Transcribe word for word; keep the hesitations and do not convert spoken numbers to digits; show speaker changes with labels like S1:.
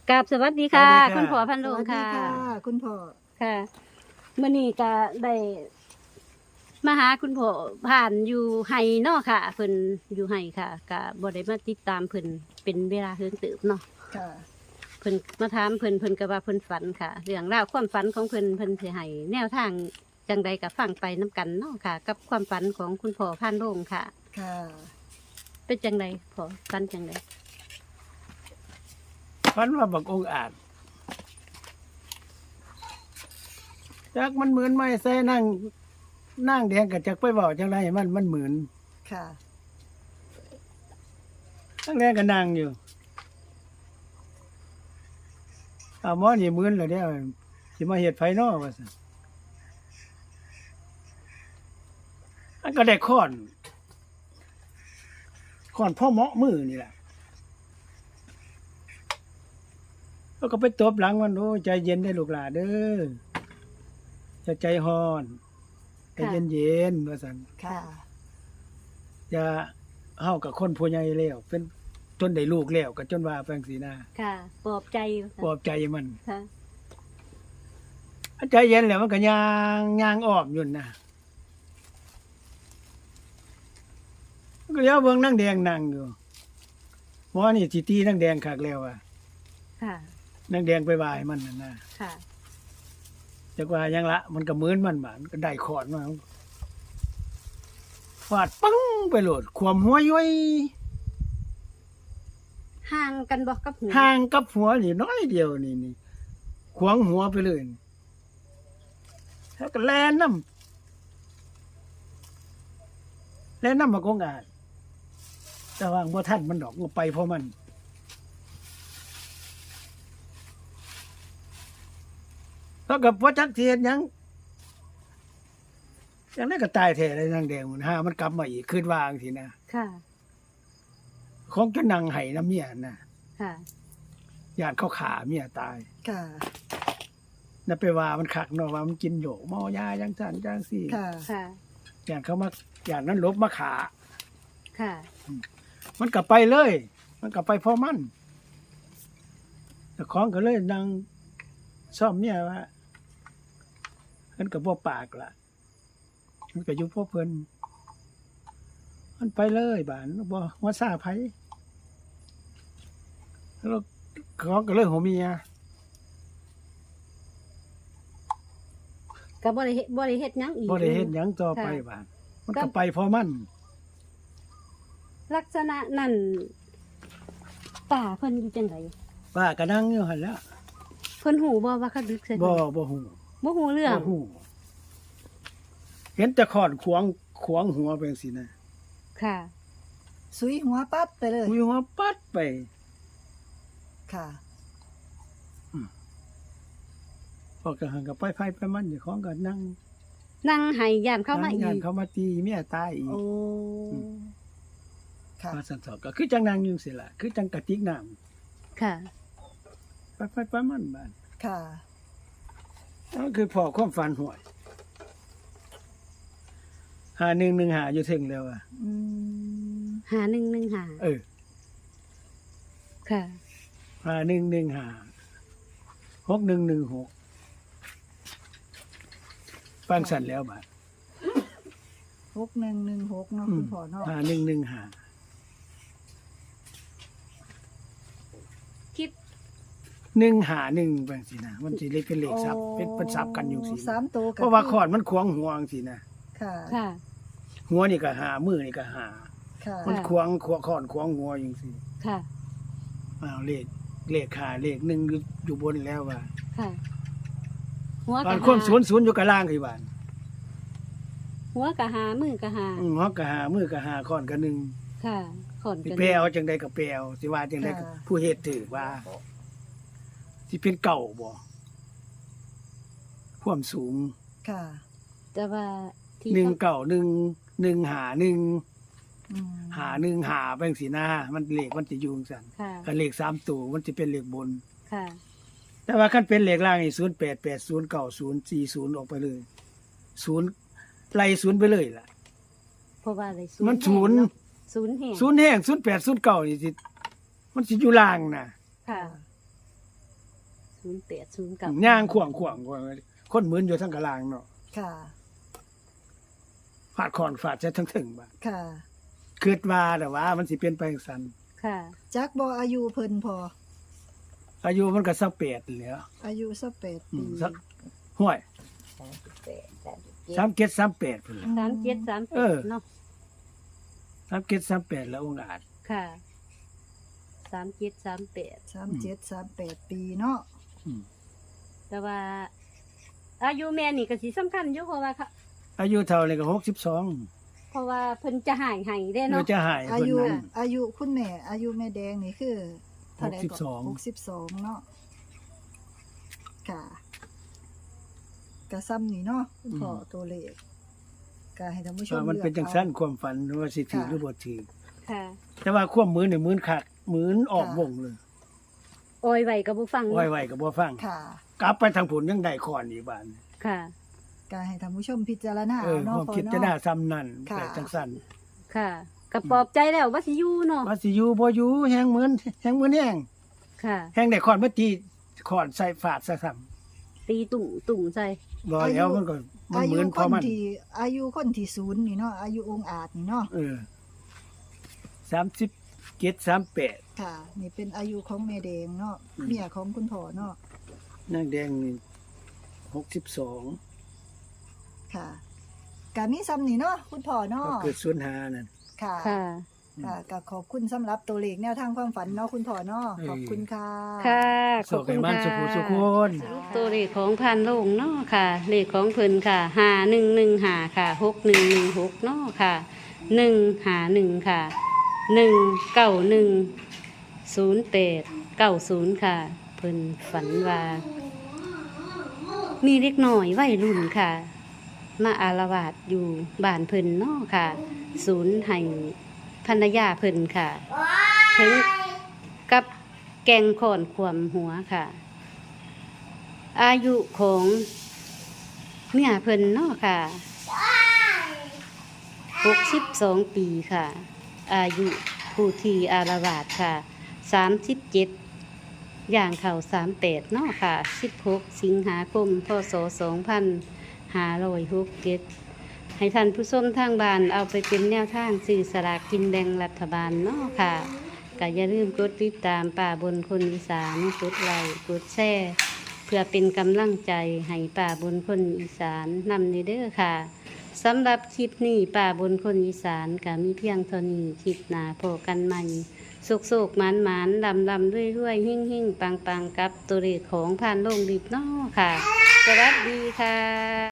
S1: กราบสวัสดีค่ะ
S2: สวัสดีค่ะ
S1: คุณพ่อพัน
S3: ส
S1: โรง
S3: วัสดี
S1: ค่ะ
S3: ค่ะ คุณพ่อ
S1: ค่ะมื้อนี้ก็ได้มาหาคุณพ่อผ่านอยู่ไห้เนาะค่ะเพิ่นอยู่ไห้ค่ะก็บ่ได้มาติดตามเพิ่นเป็นเวลาเฮิงเติบเนาะ
S3: ค่ะ
S1: เพิ่นมาถามเพิ่นเพิ่นก็ว่าเพิ่นฝันค่ะเรื่องราวความฝันของเพิ่นเพิ่นสิให้แนวทางจังใดก็ฟังไปนํกันเนาะค่ะ กับความฝันของคุณพ่อพันโรงค่ะ
S3: ค่ะ
S1: เป็นจังไดพ่อฝันจังได
S2: ฝันว่าบักองอาจจักมันเหมือนไม้ใส่นั่งนั่งแดงกับจักไปเว้าจังไรมันมันเหมือน
S3: ค่ะ
S2: นั่งแดงก็นั่งอยู่เอาหมอนี่เหมือนแล้วเด้อสิมาเฮ็ดไผน้อว่าซั่นอันก็ได้ค้อนค้อนพ่อเหมาะมือนี่แหละแล้วก็ไปตบหลังมันโอ้ใจเย็นได้ลูกหลานเด้อจะใจฮ้อนใจเย็นๆว่าซั่น
S3: ค่ะ
S2: อย่าเฮากับคนผู้ใหญ่แล้วเป็นจนได้ลูกแล้วก็จนว่าแปลงสีหน้า
S1: ค่ะปลอบใจ
S2: ปลอบใจมัน
S1: ค่ะ
S2: ใจเย็นแล้วมันก็ย่างย่างอ้อมอยู่นะมันก็เลี้ยวเบิ่งนางแดงนั่งอยู่หมอนี่สิตีนางแดงคักแล้วอ่ะ
S1: ค่ะ
S2: นางแดงไปว่าให้มันนั่นน่ะ
S1: ค่ะ
S2: จักว่าหยังละมันก็เหมือนมันบาดมันก็ได้ขอนมาฟาดปึ้งไปโลดความหัวย้อย
S1: ห่างกันบ่กับหู
S2: ห่างกับหัวนี่น้อยเดียวนี่นี่ขวางหัวไปเลยแล้วก็แล่นน้ำแล่นน้ำมากงอาจแต่ว่าบ่ทันมันดอกมันไปเพราะมันแล้วกับพ่อจักเทียนยังยังได้ก็ตายแท้เลยนางแดงมันหามันกลับมาอีกคืนวางทีนะ
S1: ค่ะ
S2: ของจะนั่งไห้น้ำเมียนะ
S1: ค่ะ
S2: ญาติเขาขาเมียตาย
S3: ค่ะ
S2: น่ะไปว่ามันคักเนาะว่ามันกินโยกเมายาจังซั่นจังซี่
S3: ค่ะ
S1: ค่ะ
S2: ญาติเขามาญาตินั้นลบมาขา
S1: ค่ะ
S2: มันกลับไปเลย มันกลับไปเพราะมันแต่ของก็เลยนั่งซ่อมเมียว่ามันก็บ่ปากล่ะ มันก็อยู่พวกเพิ่นมันไปเลยบานบ่ว่าซาไผแล้วของก็เลยหัวเมีย
S1: ก็บ่ได้เฮ็ดบ่ได้เฮ็ดหยังอีก
S2: บ่ได้เฮ็ดหยังต่อไปบานมันก็ไปเพราะมัน
S1: ลักษณะนั้นป่าเพิ่นอยู่จังได
S2: ป้าก็นั่งอยู่หั่นแหล้ว
S1: เพิ่นหูบ่ว่าเขาดึกใส่
S2: บ่
S1: เพิ่น
S2: บ่ฮู้
S1: บ่ฮู้เรื่อง
S2: บ่ฮู้เห็นแต่ขอนขวางขวางหัวไปจังซี่นะ
S1: ค่ะ
S3: สุยหัวปั๊บไปเลย
S2: มีหัวปัดไป
S3: ค่ะ
S2: พอก็หันกับไปไผไปมันอยู่ของก็นั่ง
S1: นั่งให้ย่านเข้ามาอี
S2: งาน
S1: ก
S2: เขามาตีเมียตายอีก
S1: โอ้
S3: ค่ะ
S2: มาสันสอบก็คือจังนางอยู่สิล่ะคือจังกระติกน้ำ
S1: ค่ะ
S2: ไปไปไปมันบ้าน
S3: ค่ะ
S2: นั่นคือพอความฝันหวยหาหนึ่งหนึ่งหาอยู่ถึงแล้วอ่ะ
S3: อืม
S1: หาหนึ่งหนึ่งหา
S2: เออ
S1: ค่ะ
S2: หาหนึ่งหนึ่งหาหกหนึ่งหนึ่งหกฟังสันแล้วบ้าน
S3: หกหนึ่งหนึ่งหกเนาะคุณพ่อเนาะ
S2: หาหนึ่งหนึ่งหา
S1: คิด
S2: หนึ่งหาหนึ่งบางสินะมันสิเลขเป็นเลขซับเป็นเป็นซับกันอยู่สิ
S3: สามตัว
S2: เพราะว่าขอนมันขวางหัวจังสินะ
S3: ค่ะ
S1: ค่ะ
S2: หัวนี่ก็หามือนี่ก็หา
S3: ค่ะ
S2: มันขวางขวางขอนขวางหัวอย่างสิ
S1: ค่ะ
S2: อ้าวเลขเลขขาเลขหนึ่งอยู่อยู่บนแล้วว่า
S1: ค่ะ หัว
S2: บ้าก
S1: ะ
S2: นความ
S1: หา
S2: ศูนย์ศูนย์อยู่กับล่างคือบ้าน
S1: หัวกะหามือกะหา
S2: อืมฮอกกะหามือกะหาค้อนกะหนึ่ง
S1: ค่ะขอน
S2: สิ
S1: กัน
S2: แปลเอาจังใดก็แปลเอาสิว่าจังใดก็ผู้เฮ็ดถือว่าสิเป็นเก่าบ่ความสูง
S3: ค่ะ
S1: แต่ว่าที่
S2: หนึ่งเก่าหนึ่งหนึ่งหาหนึ่ง
S3: อืม
S2: หาหนึ่งหาไปจังซี่นะมันเลขมันสิอยู่จังซั่น
S1: ค่ะ
S2: คันเลขสามตัวมันสิเป็นเลขบน
S1: ค่ะ
S2: แต่ว่าคันเป็นเลขล่างนี่ศูนย์แปด แปด ศูนย์ เก้า ศูนย์ สี่ ศูนย์ออกไปเลยศูนย์ไล่ศูนย์ไปเลยล่ะ
S1: เพราะว่าอะไร
S2: มันศูนย์
S1: แห้งเาะศูนย์แห่ง
S2: ศูนย์แห้งศูนย์แปด ศูนย์เก้านี่สิมันสิอยู่ล่างน่ะ
S1: ค่ะศูนย์แปดศูนย์เก้า
S2: ย่างขวางขวางขวางคนหมืนอยู่ทั้งกะลางเนาะ
S3: ค่ะ
S2: ฟาดคอนฟาดใช้ทั้งถึงบ่
S3: ค่ะ
S2: คิดว่าแต่ว่ามันสิเป็นไปจังซั่น
S1: ค่ะ
S3: จักบ่อายุเพิ่นพอ
S2: อายุมันก็สักแปดแหล้ว
S3: อายุสักแปด
S2: อื
S3: ปี
S2: มสักห้วยสามเจ็ดสามแปดพุ่นล่ะ
S1: สามเจ็ดสาม
S2: เอ
S1: แป
S2: อ
S1: ดเนาะ
S2: สามเจ็ดสามแปดแล้วองค์อาจ
S1: ค่ะสามเจ็ดสามแปด
S3: สามเจ็ดสามแปดปีเนาะ
S2: อืม
S1: แต่ว่า อายุแม่นี่ก็สิสำคัญอยู่เพราะว่าค่ะ
S2: อายุเท่านี่ก็หกสิบสอง
S1: เพราะว่าเพิ่นจะหายให้ได้
S2: เรา
S1: เนาะ
S2: จะหาย
S3: อา
S2: เพิ่น
S3: ยุ
S2: นั้น
S3: อายุคุณแม่ อายุแม่แดงนี่คือเท่าใด
S2: หกสิบสอง
S3: หกสิบสองเนาะค่ะกะซ้ำนี่เนาะคุณพ่อตัวเลขก็ให้ท่านผู้ชม
S2: ว่ามันเป็นจังซั่นความฝันว่าสิถือหรือบ่ถือ
S1: ค่ะ
S2: แต่ว่าความมือนี่มือนคักมือนออกวงเลย
S1: โอยไว้กับบ่ฟัง
S2: ไว้ๆก็บ่ฟัง
S3: ค่ะ
S2: กลับไปทางผลยังได้คอนอีกบาน
S1: ค่ะ
S3: ก็ให้ท่านผู้ชมพิจารณา
S2: เออ
S3: เนาะ
S2: ความ
S3: พ่อ
S2: คิดจะน่า
S3: เนาะ
S2: ซ้ำนั่น
S3: ค่ะ
S2: แต่จังซั่น
S1: ค่ะก็ปลอบใจแล้วว่าสิอยู่เนาะ
S2: ว่าสิอยู่บ่อยู่แฮงเหมือนแฮงเหมือนแฮง
S1: ค่ะ
S2: แฮงได้คอนมาตีคอนใส่ฝาดซะซ้ำ
S1: ตีตุ่มตุ่มใส่
S2: บ่แล้วมันก็มัน
S3: อา
S2: เห
S3: ยุ
S2: มือน
S3: ค
S2: พอน มัน
S3: ที่อายุคนที่ศูนย์นี่เนาะอายุองค์อาจนี่เนาะ
S2: เออสามสิบเจ็ด สามแปด
S3: ค่ะ นี่เป็นอายุของแม่แดงเนาะ
S2: อืม
S3: เมียของคุณพ่อเนาะ
S2: นางแดงนี่หกสิบสอง
S3: ค่ะกะมีซ้ำนี่เนาะคุณพ่อเนาะ
S2: ก็เกิดศูนย์ห้านั่น
S3: ค่ะ
S1: ค่ะ
S3: ค่ะก็ขอบคุณสำหรับตัวเลขแนวทางความฝันเนาะคุณพ่อเนาะ
S2: เออ
S3: ขอบคุณค่ะ
S1: ค่ะ ข
S2: ส
S1: อ
S2: อบ ก
S1: คุ
S2: ให้
S1: ณ
S2: มัน
S1: ค่ะ
S2: สุขสุขคน
S1: สรุปตัวเลขของพันโลงเนาะค่ะ เลขของเพิ่นค่ะห้าหนึ่งหนึ่งห้าค่ะหกหนึ่งหนึ่งหกเนาะค่ะหนึ่งห้าหนึ่งค่ะหนึ่งเก้าหนึ่งศูนย์แปดเก้าศูนย์ค่ะ เพิ่นฝันว่า มีเล็กน้อยวัยรุ่นค่ะ มาอารวาสอยู่บ้านเพิ่นเนาะค่ะ ศูนย์ให้ภรรยาเพิ่นค่ะ ถึงกับแกงขอนขวมหัวค่ะ อายุของเมียเพิ่นเนาะค่ะหกสิบสองปีค่ะ อายุผู้ที่อารวาสค่ะสามสิบเจ็ดอย่างเข่าสามแปดเนาะค่ะสิบหกสิงหาคมพศสองพันห้าร้อยหกเจ็ดให้ท่านผู้ชมทางบ้านเอาไปเป็นแนวทางสื่อสลากกินแบ่งรัฐบาลเนาะค่ะก็อย่าลืมกดติดตามป่าบนคนอีสานกดไลค์กดแชร์เพื่อเป็นกำลังใจให้ป่าบนคนอีสานนำในเด้อค่ะสำหรับคลิปนี้ป่าบนคนอีสานก็มีเพียงเท่านี้คลิปหน้าพบกันใหม่โศกโศกหมานหมานลำลำด้วยด้วยหิ่งหิ่งปังปังกับตัวเลขของผ่านโลงดิบเนาะค่ะ สวัสดีค่ะ